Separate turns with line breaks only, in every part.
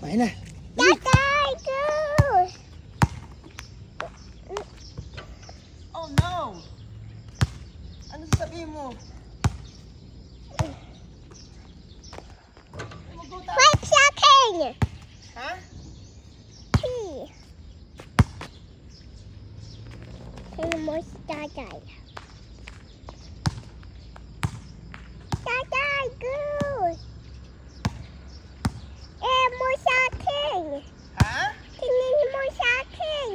Ayan na.
Tatay, go!
Oh no! Ano sasabihin mo? Mag-go tayo.
5 seconds!
Ha?
3. Sino mo si Tatay? Tatay, go! Mo sa akin!
Ha?
Tingin mo sa akin!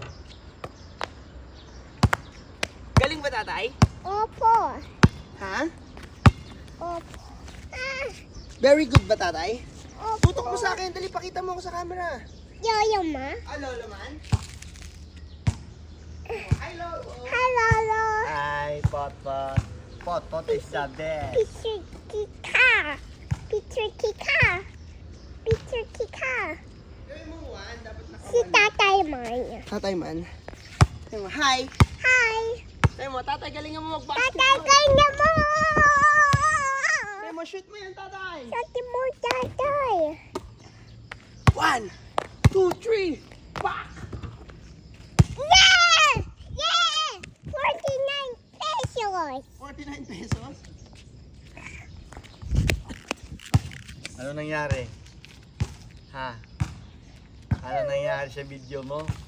Galing ba tatay?
Opo!
Ha?
Opo! Ah!
Very good ba tatay?
Opo!
Tutok mo sa akin. Dali, pakita mo ako sa camera.
Yoyo ma?
Ah, lolo man? Hi, lolo.
Hi, Lolo!
Hi, Potpot. Potpot is the best.
Picture Kika! Picture Kika! Picture Kika!
Gawin mo one, dapat
Si Tatay man.
Tatay man. Sabi mo, hi.
Hi!
Sabi mo, tatay, galingan mo
Tatay,
mag-basketball.
kanya mo!
Sabi mo, shoot mo yan, tatay.
Sabi mo, Tatay!
1, 2, 3. Back!
Yeah! Yeah! 49 pesos!
49 pesos. Ano nangyari? Ha? Ano nangyari sa video mo?